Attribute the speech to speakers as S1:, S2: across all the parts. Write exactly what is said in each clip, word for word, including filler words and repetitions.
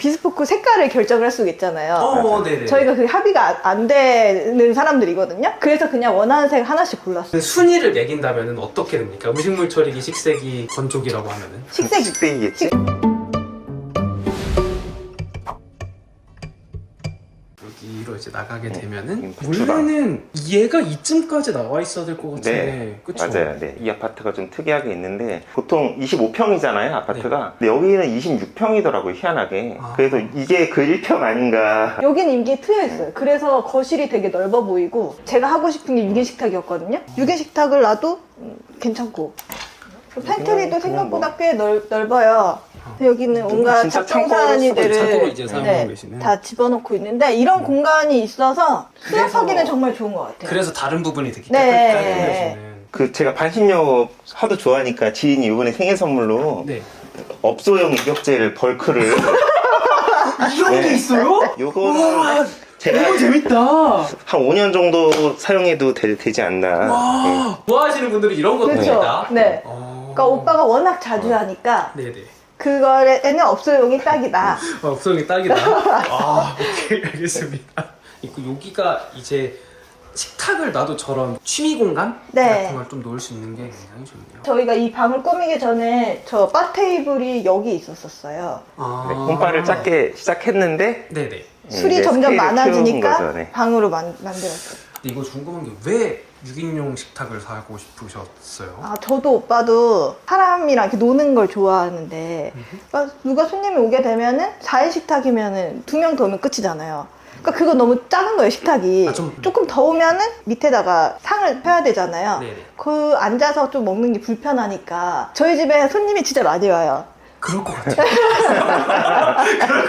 S1: 비스포크 색깔을 결정을 할 수가 있잖아요.
S2: 어, 네네.
S1: 저희가 그 합의가 안 되는 사람들이거든요. 그래서 그냥 원하는 색 하나씩 골랐어요.
S2: 순위를 매긴다면 어떻게 됩니까? 음식물 처리기, 식세기, 건조기라고 하면은
S1: 식색이.
S3: 식색이겠지.
S2: 여기로 이제 나가게 되면은
S3: 음, 부추다.
S2: 원래는 얘가 이쯤까지 나와 있어야 될 것 같은데
S3: 네,
S2: 그쵸?
S3: 맞아요. 네. 이 아파트가 좀 특이하게 있는데 보통 이십오 평이잖아요, 아파트가. 근데 여기는 이십육 평이더라고요, 희한하게.
S2: 아.
S3: 그래서 이게 그 일 평 아닌가.
S1: 여긴 임기에 트여 있어요. 그래서 거실이 되게 넓어 보이고 제가 하고 싶은 게 육 인 식탁이었거든요. 육 인 식탁을 놔도 음, 괜찮고 팬트리도
S3: 그냥
S1: 생각보다
S3: 뭐.
S1: 꽤 넓, 넓어요. 여기는 온갖
S3: 진짜
S1: 잡동사니들을
S2: 창고로 이제 사용하고 계시는.
S1: 다 집어넣고 있는데 이런 공간이 있어서
S2: 그래서-
S1: 수납하기는 정말 좋은 것 같아요.
S2: 그래서 다른 부분이 되게
S1: 네.
S2: 깨끗하게
S3: 그 제가 반신욕 하도 좋아하니까 지인이 이번에 생일 선물로
S2: 네.
S3: 업소용 입욕제를 벌크를
S2: 이런
S3: 네.
S2: 게 있어요?
S3: 요거는
S2: 와,
S3: 제가
S2: 너무 재밌다.
S3: 한 오 년 정도 사용해도 되, 되지 않나. 네.
S2: 와, 좋아하시는 분들이 이런 것도
S1: 그렇죠.
S2: 있다.
S1: 네.
S2: 어.
S1: 그러니까 오빠가 워낙 자주 하니까
S2: 네네.
S1: 그거에는 업소용이 딱이다.
S2: 어, 업성이 딱이다. 아, 오케이, 알겠습니다. 있고 여기가 이제 식탁을 놔도 저런 취미 공간
S1: 네.
S2: 같은 걸 좀 놓을 수 있는 게 굉장히 좋네요.
S1: 저희가 이 방을 꾸미기 전에 저 바 테이블이 여기 있었었어요.
S2: 아.
S3: 네, 홈바를 작게 시작했는데
S2: 네네.
S1: 술이
S3: 이제
S1: 점점
S3: 스케일을
S1: 많아지니까
S3: 키운 거죠, 네.
S1: 방으로 만, 만들었어요.
S2: 근데 이거 궁금한 게 왜 육 인용 식탁을 사고 싶으셨어요?
S1: 아, 저도 오빠도 사람이랑 이렇게 노는 걸 좋아하는데 그러니까 누가 손님이 오게 되면은 사 인 식탁이면은 두 명 더 오면 끝이잖아요. 그러니까 그거 너무 작은 거예요, 식탁이.
S2: 아, 좀-
S1: 조금 더 오면은 밑에다가 상을 펴야 되잖아요.
S2: 네네.
S1: 그 앉아서 좀 먹는 게 불편하니까 저희 집에 손님이 진짜 많이 와요.
S2: 그럴 것 같아요.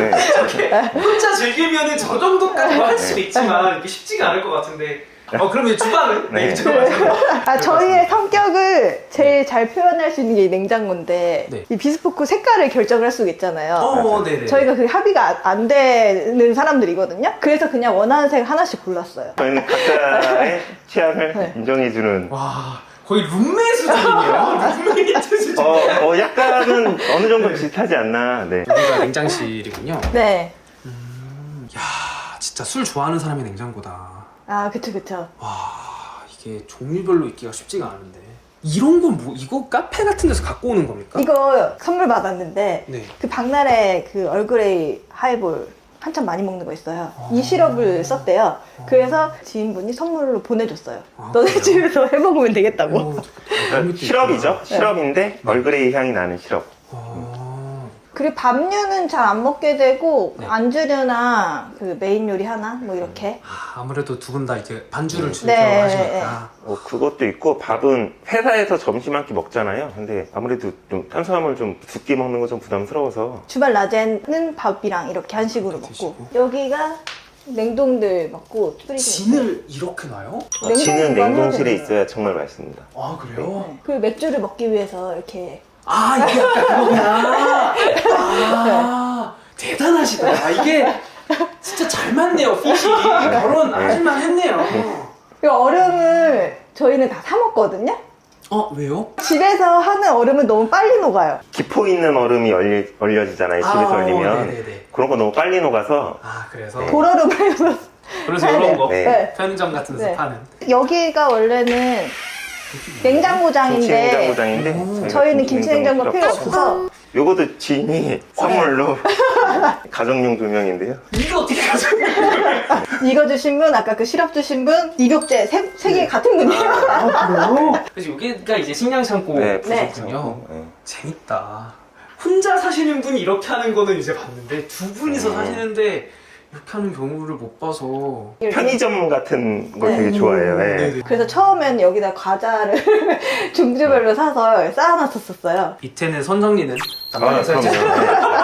S3: 네.
S2: 혼자 즐기면 저 정도까지 할 수 있지만 이게 쉽지가 않을 것 같은데. 어, 그럼 이제 주방은? 네,
S3: 네.
S2: 이쪽으로
S1: 아, 저희의 성격을 제일 잘 표현할 수 있는 게 이 냉장고인데
S2: 네.
S1: 이 비스포크 색깔을 결정을 할 수가 있잖아요.
S2: 어, 네네.
S1: 저희가 그 합의가 안 되는 사람들이거든요. 그래서 그냥 원하는 색 하나씩 골랐어요.
S3: 저희는 각자의 취향을
S1: 네.
S3: 인정해주는.
S2: 와, 거의 룸메 수준이네요. 룸메이트 수준.
S3: 어, 어, 약간은 어느 정도 비슷하지 않나. 네.
S2: 여기가 냉장실이군요.
S1: 네.
S2: 야, 진짜 술 좋아하는 사람의 냉장고다.
S1: 아, 그쵸, 그쵸.
S2: 와, 이게 종류별로 있기가 쉽지가 않은데. 이런 건 뭐, 이거 카페 같은 데서 갖고 오는 겁니까?
S1: 이거 선물 받았는데
S2: 네.
S1: 그 박나래 그 얼그레이 하이볼 한참 많이 먹는 거 있어요.
S2: 아.
S1: 이 시럽을 썼대요. 그래서 지인분이 선물로 보내줬어요.
S2: 아,
S1: 너네
S2: 그래요?
S1: 집에서 해먹으면 되겠다고.
S2: 어, 그런 것도
S3: 시럽이죠.
S2: 있구나.
S3: 시럽인데 얼그레이 향이 나는 시럽.
S2: 아,
S1: 그리고 밥류는 잘 안 먹게 되고
S2: 네.
S1: 안주류나 그 메인 요리 하나 뭐 이렇게.
S2: 아, 아무래도 두 분 다 이제 반주를 즐겨
S1: 네.
S2: 하시니까.
S3: 어, 그것도 있고 밥은 회사에서 점심 한 끼 먹잖아요. 근데 아무래도 좀 탄수화물 좀 두 끼 먹는 거 좀 부담스러워서
S1: 주말 낮에는 밥이랑 이렇게 한식으로 먹고
S2: 드시고.
S1: 여기가 냉동들 먹고 뿌리고
S2: 진을 이렇게 놔요?
S3: 어, 지는
S1: 냉동보관
S3: 냉동실에
S1: 해야
S3: 있어야 정말 맛있습니다.
S2: 아, 그래요?
S1: 네. 그 맥주를 먹기 위해서 이렇게
S2: 아, 이게 약간 그거구나. 아, 대단하시다. 아, 이게 진짜 잘 맞네요, 핏이. 결혼 하실만 했네요.
S1: 이 얼음을 저희는 다 사 먹거든요.
S2: 어, 왜요?
S1: 집에서 하는 얼음은 너무 빨리 녹아요.
S3: 기포 있는 얼음이 얼리, 얼려지잖아요. 집에서
S2: 아,
S3: 얼리면.
S2: 네네네.
S3: 그런 거 너무 빨리 녹아서
S2: 아, 그래서.
S3: 네.
S1: 돌얼음을 해서
S2: 그래서
S1: 사야
S2: 이런
S1: 돼요.
S2: 거.
S3: 네.
S2: 편의점 같은 데서
S1: 네.
S2: 파는.
S1: 여기가 원래는 냉장고장인데
S3: 김치 냉장고장인데
S2: 음.
S3: 저희가
S1: 저희는 김치 냉장고 필요
S3: 필요 없어서.
S1: 없어서
S3: 요것도 지인이 선물로 가정용 조명인데요.
S2: 이거 어떻게 가져요?
S1: 이거 주신 분, 아까 그 시럽 주신 분, 입욕제 세, 세 개 같은 분이에요.
S2: 아, 그래요? 그래서 여기가 이제 식량 창고
S3: 네,
S2: 부족군요.
S3: 네.
S2: 재밌다. 혼자 사시는 분이 이렇게 하는 거는 이제 봤는데 두 분이서
S3: 음.
S2: 사시는데 이렇게 하는 경우를 못 봐서.
S3: 편의점 같은 걸
S1: 네.
S3: 되게 좋아해요. 네.
S2: 네네.
S1: 그래서 처음엔 여기다 과자를 종류별로 사서 쌓아놨었어요.
S2: 밑에는 선정리는
S3: 아,
S2: 남방에서
S3: 그럼요.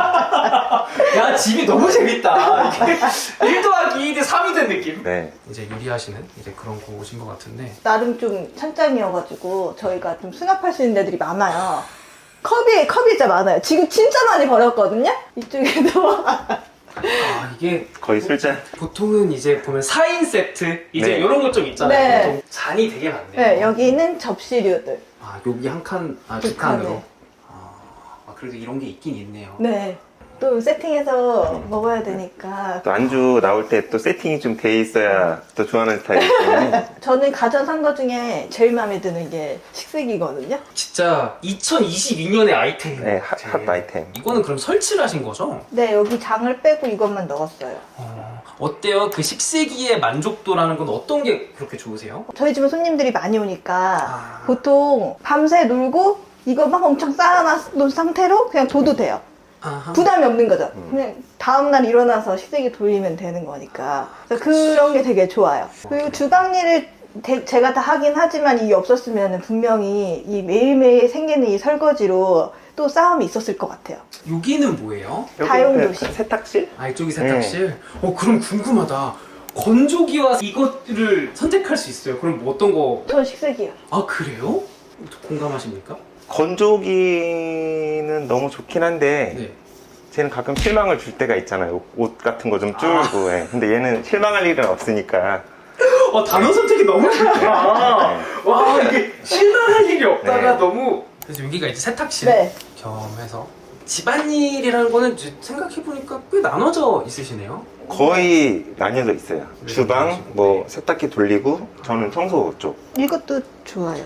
S3: 네.
S2: 야, 집이 너무 재밌다. 이게 일 더하기 일이 삼이 된 느낌.
S3: 네.
S2: 이제 요리하시는 이제 그런 곳인 것 같은데.
S1: 나름 좀 찬장이어가지고 저희가 좀 수납할 수 있는 데들이 많아요. 컵이, 컵이 진짜 많아요. 지금 진짜 많이 버렸거든요? 이쪽에도.
S2: 아, 이게
S3: 거의 술잔.
S2: 보통은 이제 보면 사 인 세트 이제
S3: 네.
S2: 이런 것 좀 있잖아요.
S1: 네.
S2: 보통 잔이 되게 많네요.
S1: 네, 여기는 접시류들.
S2: 아, 여기 한 칸, 아,
S1: 두
S2: 두 칸으로.
S1: 칸에.
S2: 아, 아, 그래도 이런 게 있긴 있네요.
S1: 네. 또 세팅해서 먹어야 되니까.
S3: 또 안주 나올 때 또 세팅이 좀 돼 있어야 또 좋아하는 스타일이기 때문에.
S1: 저는 가전 산 거 중에 제일 마음에 드는 게 식색이거든요.
S2: 진짜 이천이십이 년의 아이템이에요.
S3: 네, 핫, 핫 아이템.
S2: 이거는 그럼 설치를 하신 거죠?
S1: 네, 여기 장을 빼고 이것만 넣었어요.
S2: 어, 어때요? 그 식세기의 만족도라는 건 어떤 게 그렇게 좋으세요?
S1: 저희 집은 손님들이 많이 오니까
S2: 아.
S1: 보통 밤새 놀고 이거 막 엄청 쌓아놓은 상태로 그냥 둬도 돼요.
S2: 아하.
S1: 부담이 없는 거죠. 그냥 다음날 일어나서 식세기 돌리면 되는 거니까. 그래서 그런 게 되게 좋아요. 그리고 주방 일을 대- 제가 다 하긴 하지만 이게 없었으면 분명히 이 매일매일 생기는 이 설거지로 또 싸움이 있었을 것 같아요.
S2: 여기는 뭐예요?
S3: 여기
S1: 다용도실.
S3: 그 세탁실?
S2: 아, 이쪽이 세탁실? 어, 그럼 궁금하다. 건조기와 이것을 선택할 수 있어요. 그럼 뭐 어떤 거?
S1: 전 식세기요.
S2: 아, 그래요? 공감하십니까?
S3: 건조기는 너무 좋긴 한데
S2: 네.
S3: 쟤는 가끔 실망을 줄 때가 있잖아요. 옷 같은 거 좀 줄고. 예. 근데 얘는 실망할 일은 없으니까.
S2: 어, 단어 선택이 너무 좋다. 와, 이게 실망할 일이 없다가
S3: 네.
S2: 너무. 그래서 여기가 이제 세탁실
S1: 네.
S2: 겸해서 집안일이라는 거는 이제 생각해보니까 꽤 나눠져 있으시네요.
S3: 거의 나뉘어져 있어요.
S2: 네,
S3: 주방,
S2: 그러시고.
S3: 뭐
S2: 네.
S3: 세탁기 돌리고 저는 청소 쪽.
S1: 이것도 좋아요.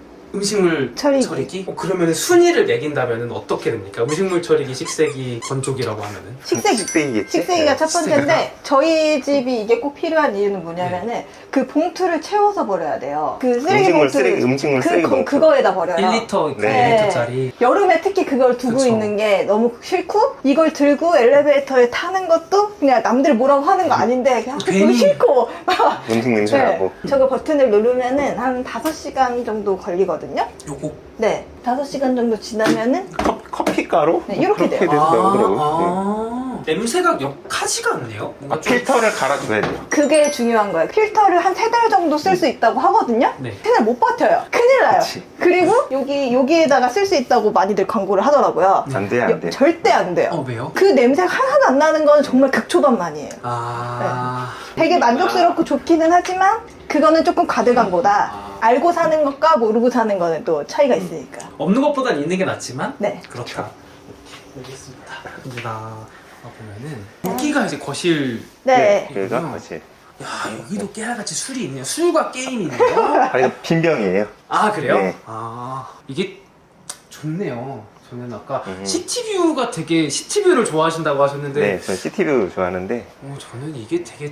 S2: 음식물
S1: 처리기.
S2: 처리기? 어, 그러면 순위를 매긴다면 어떻게 됩니까? 음식물 처리기, 식세기, 건조기라고 하면은
S1: 식세기.
S3: 식세기겠지?
S1: 식세기가
S3: 네.
S1: 첫 번째인데 저희 집이 이게 꼭 필요한 이유는 뭐냐면은 그 봉투를 채워서 버려야 돼요. 그 쓰레기
S3: 음식물
S1: 봉투
S3: 쓰레기, 음식물
S1: 그,
S3: 쓰레기
S1: 그,
S3: 봉투.
S1: 그거에다 버려요.
S2: 일 리터,
S3: 네.
S2: 일 리터짜리.
S1: 여름에 특히 그걸 두고
S2: 그쵸.
S1: 있는 게 너무 싫고 이걸 들고 엘리베이터에 타는 것도 그냥 남들 뭐라고 하는 거 아닌데 그냥
S2: 괜히.
S1: 그거 싫고
S3: 음식 냄새 나고.
S1: 네. 저거 버튼을 누르면은 한 다섯 시간 정도 걸리거든요.
S2: 요거
S1: 네, 다섯 시간 정도 지나면은
S3: 커, 커피 가루?
S1: 네, 이렇게
S3: 그렇게
S1: 돼요.
S3: 된다고 하더라고요. 네.
S2: 아, 냄새가 역하지가 않네요. 뭔가
S3: 아,
S2: 좀-
S3: 필터를 갈아줘야 돼요.
S1: 그게 중요한 거예요. 필터를 한 세 달 정도 쓸 수 있다고 하거든요.
S2: 네.
S1: 세 달 못 버텨요. 큰일 나요.
S3: 그치.
S1: 그리고 여기 여기에다가 쓸 수 있다고 많이들 광고를 하더라고요.
S3: 안 돼, 안
S1: 여-
S3: 돼.
S1: 절대 안 돼요.
S2: 어, 왜요?
S1: 그 냄새가 하나도 안 나는 건 정말 극초반만이에요.
S2: 아.
S1: 되게 만족스럽고 좋기는 하지만 그거는 조금 가득한 거다.
S2: 아.
S1: 알고 사는 것과 모르고 사는 거는 또 차이가 있으니까.
S2: 없는 것보단 있는 게 낫지만
S1: 네.
S2: 그렇다. 알겠습니다. 이제 나와 보면은 여기가 이제 거실.
S1: 네.
S3: 여기가 사실.
S2: 야, 여기도 깨알같이 술이 있네요. 술과 게임이 있네요.
S3: 아, 이거 빈병이에요.
S2: 아, 그래요?
S3: 네.
S2: 아, 이게 좋네요. 저는 아까
S3: 음.
S2: 시티뷰가 되게 시티뷰를 좋아하신다고 하셨는데
S3: 네, 저는 시티뷰 좋아하는데.
S2: 어, 저는 이게 되게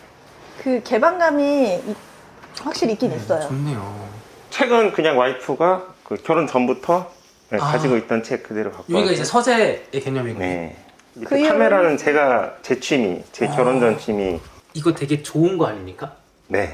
S1: 그 개방감이 이- 확실히 있긴
S2: 네,
S1: 있어요.
S2: 좋네요.
S3: 책은 그냥 와이프가 그 결혼 전부터 네,
S2: 아.
S3: 가지고 있던 책 그대로 갖고
S2: 여기가
S3: 왔어요.
S2: 이제 서재의 개념이고
S3: 네.
S1: 그
S3: 그 카메라는 제가 제 취미, 제
S2: 아.
S3: 결혼 전 취미.
S2: 이거 되게 좋은 거 아닙니까?
S3: 네.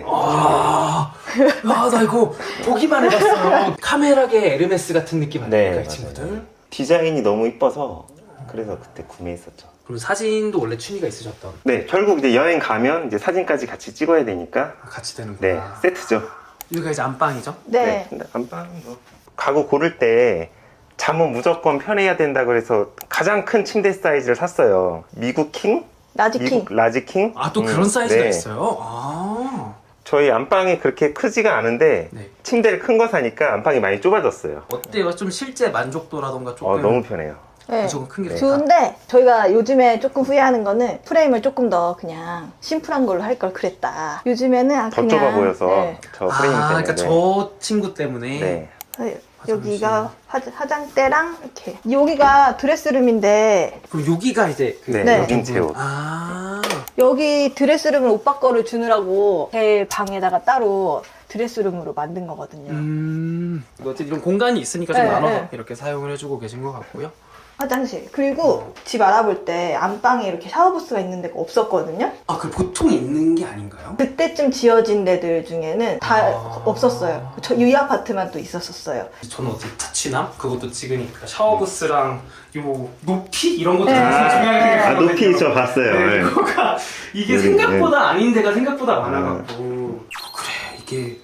S2: 아, 아, 나 이거 보기만 해봤어요. 카메라계 에르메스 같은 느낌 아닙니까,
S3: 네,
S2: 이
S3: 맞아요.
S2: 친구들?
S3: 디자인이 너무 이뻐서 그래서 그때 구매했었죠.
S2: 그리고 사진도 원래 취미가 있으셨던.
S3: 네, 결국 이제 여행 가면 이제 사진까지 같이 찍어야 되니까
S2: 아, 같이 되는구나.
S3: 네, 세트죠.
S2: 여기가 이제 안방이죠?
S1: 네.
S3: 근데 안방 뭐 가구 고를 때 잠은 무조건 편해야 된다 그래서 가장 큰 침대 사이즈를 샀어요. 미국 킹?
S1: 라지킹.
S3: 미국 라지 킹?
S2: 아, 또
S3: 음,
S2: 그런 사이즈가
S3: 네.
S2: 있어요? 아.
S3: 저희 안방이 그렇게 크지가 않은데
S2: 네.
S3: 침대를 큰 거 사니까 안방이 많이 좁아졌어요.
S2: 어때요? 좀 실제 만족도라던가 조금.
S3: 어, 너무 편해요.
S1: 네.
S2: 조금 큰 게 좋다.
S1: 좋은데 저희가 요즘에 조금 후회하는 거는 프레임을 조금 더 그냥 심플한 걸로 할 걸 그랬다. 요즘에는 아,
S3: 더
S1: 그냥
S3: 좁아 보여서
S1: 네.
S3: 저 프레임
S2: 아,
S3: 때문에.
S2: 그러니까 저 친구 때문에.
S3: 네.
S1: 어, 여기가 화, 화장대랑 이렇게 여기가 드레스룸인데
S2: 그럼 여기가 이제 그
S3: 네,
S1: 네.
S3: 여긴 제 옷.
S2: 아.
S1: 여기 드레스룸을 오빠 거를 주느라고 제 방에다가 따로 드레스룸으로 만든 거거든요.
S2: 음. 어쨌든 이런 공간이 있으니까 좀
S1: 네,
S2: 나눠서
S1: 네.
S2: 이렇게 사용을 해주고 계신 것 같고요.
S1: 화장실. 그리고 집 알아볼 때 안방에 이렇게 샤워부스가 있는 데가 없었거든요.
S2: 아, 그 보통 있는 게 아닌가요?
S1: 그때쯤 지어진 데들 중에는 다
S2: 아.
S1: 없었어요. 저 이 아파트만 또 있었었어요.
S2: 저는 어떻게 자취남 그것도 찍으니까 샤워부스랑 요 높이 이런 것도
S1: 네.
S2: 되게 중요하게
S3: 아,
S2: 생각하거든요.
S3: 높이 저 봤어요.
S2: 네,
S3: 네.
S2: 그거가 이게
S3: 네,
S2: 생각보다 아닌 데가 생각보다 많아갖고 어, 그래 이게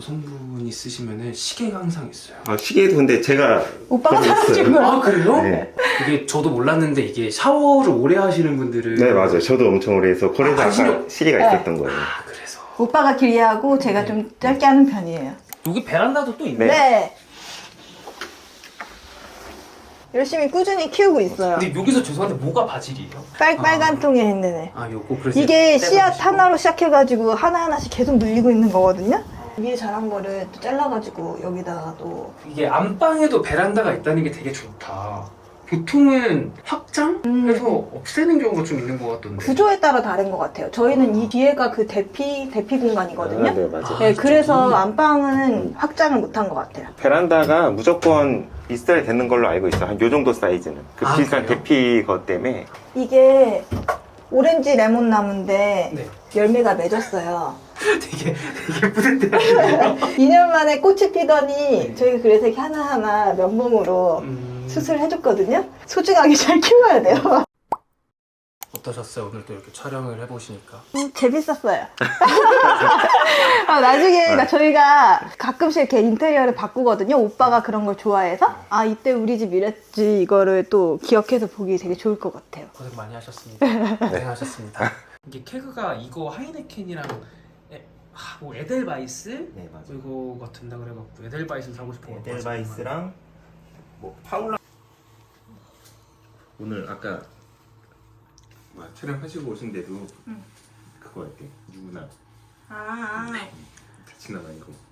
S2: 여성분이 쓰시면은 시계가 항상 있어요.
S3: 아, 시계도 근데 제가
S1: 오빠가
S3: 그런 거
S1: 사준
S3: 있어요.
S1: 거야.
S2: 아 그래요?
S3: 네.
S2: 이게 저도 몰랐는데 이게 샤워를 오래 하시는 분들은
S3: 네, 맞아요. 저도 엄청 오래 해서 그래서
S2: 아,
S3: 아,
S2: 관심이
S3: 까 시계가
S1: 네.
S3: 있었던 거예요.
S2: 아 그래서
S1: 오빠가 길이하고 제가 좀 짧게 하는 편이에요.
S2: 여기 베란다도 또 있네.
S3: 네.
S1: 네. 열심히 꾸준히 키우고 있어요.
S2: 근데 여기서 죄송한데 뭐가 바질이에요?
S1: 빨,
S2: 아.
S1: 빨간 통에 있는 애.
S2: 아 요거 그래서
S1: 이게
S2: 떼서
S1: 씨앗
S2: 드시고.
S1: 하나로 시작해가지고 하나하나씩 계속 물리고 있는 거거든요. 위에 자란 거를 또 잘라가지고 여기다가 또
S2: 이게 안방에도 베란다가 있다는 게 되게 좋다. 보통은 확장해서 없애는 경우가 좀 있는 것 같던데.
S1: 구조에 따라 다른 것 같아요. 저희는 이 뒤에가 그 대피 대피 공간이거든요.
S3: 아, 네, 맞아요.
S1: 네, 그래서
S2: 저기.
S1: 안방은 확장을 못한 것 같아요.
S3: 베란다가 무조건 있어야 되는 걸로 알고 있어. 한 요 정도 사이즈는. 그
S2: 아,
S3: 비싼
S2: 그래요?
S3: 대피 것 때문에.
S1: 이게 오렌지 레몬 나무인데
S2: 네.
S1: 열매가 맺었어요.
S2: 되게 되게 뿌듯해하시네요.
S1: 이 년 만에 꽃이 피더니 저희가 그래서 이렇게 하나하나 면봉으로
S2: 음,
S1: 수술을 해줬거든요. 소중하게 잘 키워야 돼요.
S2: 어떠셨어요? 오늘 또 이렇게 촬영을 해보시니까.
S1: 음, 재밌었어요. 아, 나중에 그러니까 저희가 가끔씩 이렇게 인테리어를 바꾸거든요. 오빠가 그런 걸 좋아해서 아 이때 우리 집 이랬지 이거를 또 기억해서 보기 되게 좋을 것 같아요.
S2: 고생 많이 하셨습니다. 고생하셨습니다. 이게 케그가 이거 하이네켄이랑 에, 아, 뭐 에델바이스
S3: 네, 맞아요.
S2: 이거가 된다 그래갖고 에델바이스를 사고 싶은 거
S3: 에델바이스랑 뭐 파울라. 오늘 아까 뭐 촬영하시고 오신데도
S1: 응.
S3: 그거 할게. 누구나
S1: 아.
S3: 같이 나가 이거.